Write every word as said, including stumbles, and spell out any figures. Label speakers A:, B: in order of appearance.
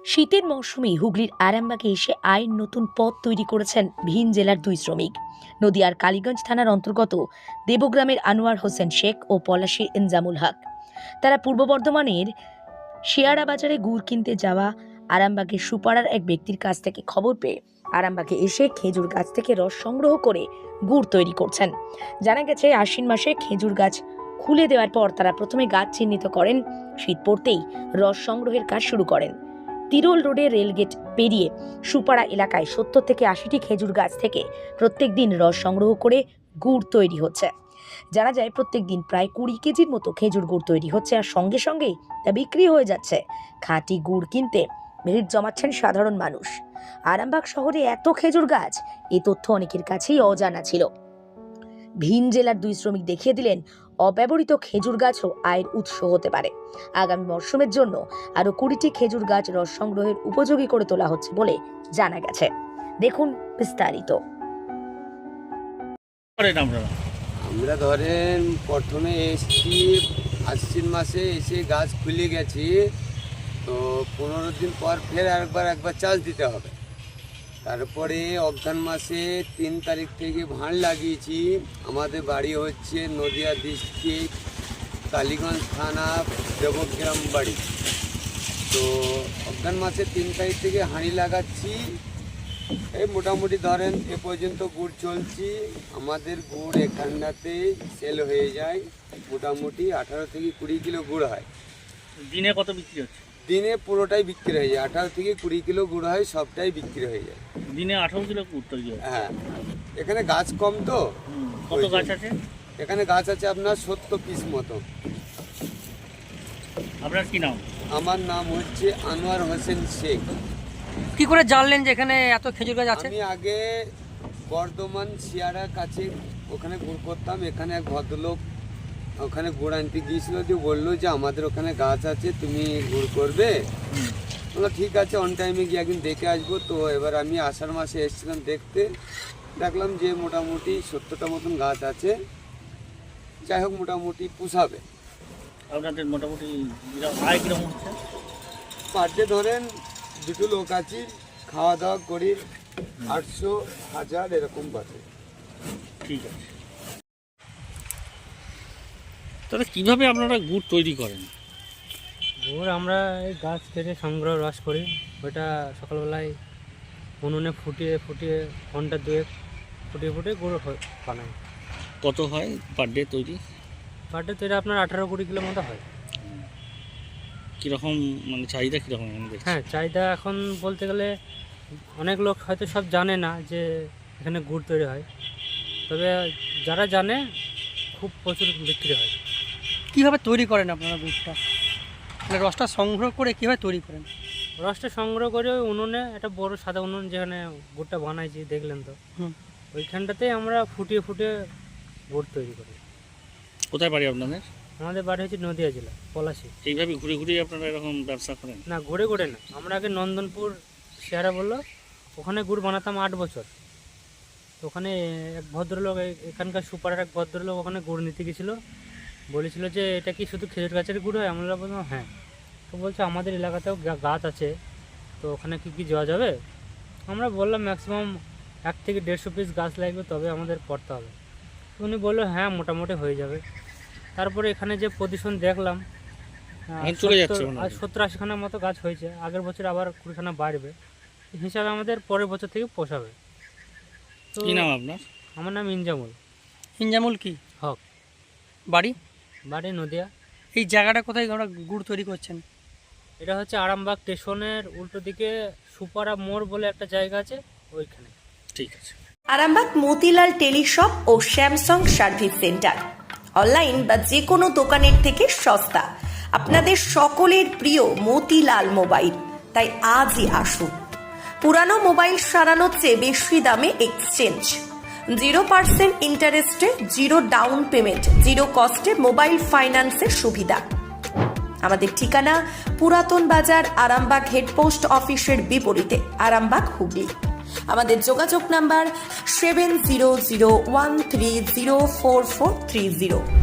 A: শীতের মৌসুমে হুগলির আরামবাগে এসে আয়ের নতুন পথ তৈরি করেছেন ভিন জেলার দুই শ্রমিক। নদিয়ার কালীগঞ্জ থানার অন্তর্গত দেবগ্রামের আনোয়ার হোসেন শেখ ও পলাশীর ইনজামুল হক। তারা পূর্ব বর্ধমানের শেয়ারা বাজারে গুড় কিনতে যাওয়া আরামবাগের সুপাড়ার এক ব্যক্তির কাছ থেকে খবর পেয়ে আরামবাগে এসে খেজুর গাছ থেকে রস সংগ্রহ করে গুড় তৈরি করছেন। জানা গেছে, আশ্বিন মাসে খেজুর গাছ খুলে দেওয়ার পর তারা প্রথমে গাছ চিহ্নিত করেন। শীত পড়তেই রস সংগ্রহের কাজ শুরু করেন। তিরোল রোডে রেলগেট পেরিয়ে সুপাড়া এলাকায় সত্তর থেকে আশিটি খেজুর গাছ থেকে প্রত্যেক দিন রস সংগ্রহ করে গুড় তৈরি হচ্ছে। জানা যায়, প্রত্যেক দিন প্রায় কুড়ি কেজির মতো খেজুর গুড় তৈরি হচ্ছে, আর সঙ্গে সঙ্গেই তা বিক্রি হয়ে যাচ্ছে। খাঁটি গুড় কিনতে ভিড় জমাচ্ছেন সাধারণ মানুষ। আরামবাগ শহরে এত খেজুর গাছ, এই তথ্য অনেকের কাছেই অজানা ছিল। ভিন জেলার দুই শ্রমিক দেখিয়ে দিলেন, অব্যবহৃত খেজুর গাছও আয়ের উৎস হতে পারে। আগামী মরশুমের জন্য আরো কুড়িটি খেজুর গাছ রস সংগ্রহের উপযোগী করে তোলা হচ্ছে বলে জানা গেছে। দেখুন বিস্তারিত।
B: আমরা ধরেন প্রথমে এসছি আশ্বিন মাসে, এসে গাছ খুলে গেছি, তো পনেরো দিন পর ফের একবার একবার চাষ দিতে হবে। তারপরে অঘ্রান মাসে তিন তারিখ থেকে ভাঁড় লাগিয়েছি। আমাদের বাড়ি হচ্ছে নদিয়া ডিস্ট্রিক্ট কালীগঞ্জ থানা দেবগ্রাম বাড়ি। তো অঘ্রান মাসে তিন তারিখ থেকে হাঁড়ি লাগাচ্ছি। এই মোটামুটি ধরেন এ পর্যন্ত গুড় চলছি। আমাদের গুড় এখানটাতে সেল হয়ে যায়, মোটামুটি আঠারো থেকে কুড়ি কিলো গুড় হয়।
C: দিনে কত বিক্রি হচ্ছে?
B: দিনে পুরোটাই বিক্রি হয়ে যায়, আঠারো থেকে কুড়ি কিলো গুড় হয়, সবটাই বিক্রি হয়ে যায়।
C: দিনে আঠারো কিলো গুড় তৈরি হয়?
B: হ্যাঁ, এখানে গাছ কম তো।
C: কত গাছ আছে
B: এখানে? গাছ আছে আপনার সত্তর পিস মতো।
C: আপনার কি নাম?
B: আমার নাম হচ্ছে আনোয়ার হোসেন শেখ।
D: কি করে জানলেন যে এখানে এত খেজুর গাছ আছে?
B: আমি আগে বর্ধমান শিয়ারার কাছে ওখানে গুড় করতাম। এখানে এক ভদ্রলোক ওখানে গুড় আনতে গিয়েছিল, দিয়ে বললো যে আমাদের ওখানে গাছ আছে, তুমি গুড় করবে? বললো ঠিক আছে, অন টাইমে গিয়ে একদিন দেখে আসবো। তো এবার আমি আষাঢ় মাসে এসেছিলাম দেখতে, দেখলাম যে মোটামুটি সত্তরটা মতন গাছ আছে। যাই হোক, মোটামুটি পুষাবে।
C: আপনাদের মোটামুটি আয় কিরকম হচ্ছে?
B: পার ডে ধরেন দুটো লোক আছি, খাওয়া দাওয়া করি, আটশো হাজার এরকম বাজে।
C: ঠিক আছে। তাহলে কীভাবে আপনারা গুড় তৈরি করেন?
D: গুড় আমরা এই গাছ কেটে সংগ্রহ রস করি, ওইটা সকালবেলায় উনুনে ফুটিয়ে ফুটিয়ে ঘন্টা দুয়েক ফুটিয়ে ফুটিয়ে গুড় বানাই।
C: কত হয় পার ডে তৈরি?
D: পার ডে তৈরি আপনার আঠারো কুড়ি কিলো মতো হয়।
C: কীরকম মানে চাহিদা কীরকম?
D: হ্যাঁ, চাহিদা এখন বলতে গেলে অনেক লোক হয়তো সব জানে না যে এখানে গুড় তৈরি হয়, তবে যারা জানে খুব প্রচুর বিক্রি হয়।
E: কীভাবে তৈরি করেন আপনারা গুড়টা? মানে রসটা সংগ্রহ করে কীভাবে তৈরি করেন?
D: রসটা সংগ্রহ করে ওই উনুনে, একটা বড় সাদা উনুন যেখানে গুড়টা বানাইছি দেখলেন তো, ওইখানটাতে আমরা ফুটিয়ে ফুটিয়ে গুড় তৈরি করি।
C: কোথায় বাড়ি আপনাদের?
D: আমাদের বাড়ি হচ্ছে নদিয়া জেলা পলাশী।
C: এইভাবে ঘুরে ঘুরে আপনারা এরকম ব্যবসা করেন?
D: না, ঘুরে ঘুরে না, আমরা আগে নন্দনপুর শেয়ারা বললো, ওখানে গুড় বানাতাম আট বছর। তো ওখানে এক ভদ্রলোক, এখানকার সুপারের এক ভদ্রলোক ওখানে গুড় নিতে গেছিলো, বলেছিল যে এটা কি শুধু খেজুর গাছের গুড় হয়? আমরা বললাম হ্যাঁ। তো বলছে আমাদের এলাকাতেও গাছ আছে, তো ওখানে কি কি যাওয়া যাবে? আমরা বললাম ম্যাক্সিমাম এক থেকে দেড়শো পিস গাছ লাগবে, তবে আমাদের করতে হবে। উনি বললো হ্যাঁ, মোটামুটি হয়ে যাবে। তারপরে এখানে যে পজিশন দেখলাম, সত্তর আশিখানার মতো গাছ হয়েছে। আগের বছর আবার কুড়িখানা বাড়বে, হিসাবে আমাদের পরের বছর থেকে পোষাবে। তো
C: কি নাম আপনার?
D: আমার নাম ইনজামুল।
E: ইনজামুল কি
D: হক।
E: বাড়ি?
D: বাড়ি নদিয়া।
E: এই জায়গাটা কোথায় আমরা গুড় তৈরি করছেন?
D: এটা হচ্ছে আরামবাগ স্টেশনের উল্টো দিকে সুপারা মোড় বলে একটা জায়গা আছে, ওইখানে।
C: ঠিক আছে।
F: আরামবাগ মতিলাল টেলিশপ ও স্যামসাং সার্ভিস সেন্টার, অনলাইন বা যে কোনো দোকানের থেকে সস্তা। আপনাদের সকলের প্রিয় মতিলাল মোবাইল, তাই আজই আসুন। পুরানো মোবাইল সারানোর চেয়ে বেশি দামে এক্সচেঞ্জ, জিরো পার্সেন্ট ইন্টারেস্টে, জিরো ডাউন পেমেন্ট, জিরো কস্টে মোবাইল ফাইন্যান্সের সুবিধা। আমাদের ঠিকানা পুরাতন বাজার, আরামবাগ হেডপোস্ট অফিসের বিপরীতে, আরামবাগ হুগলি। আমাদের যোগাযোগ number seven zero zero one three zero four four three zero.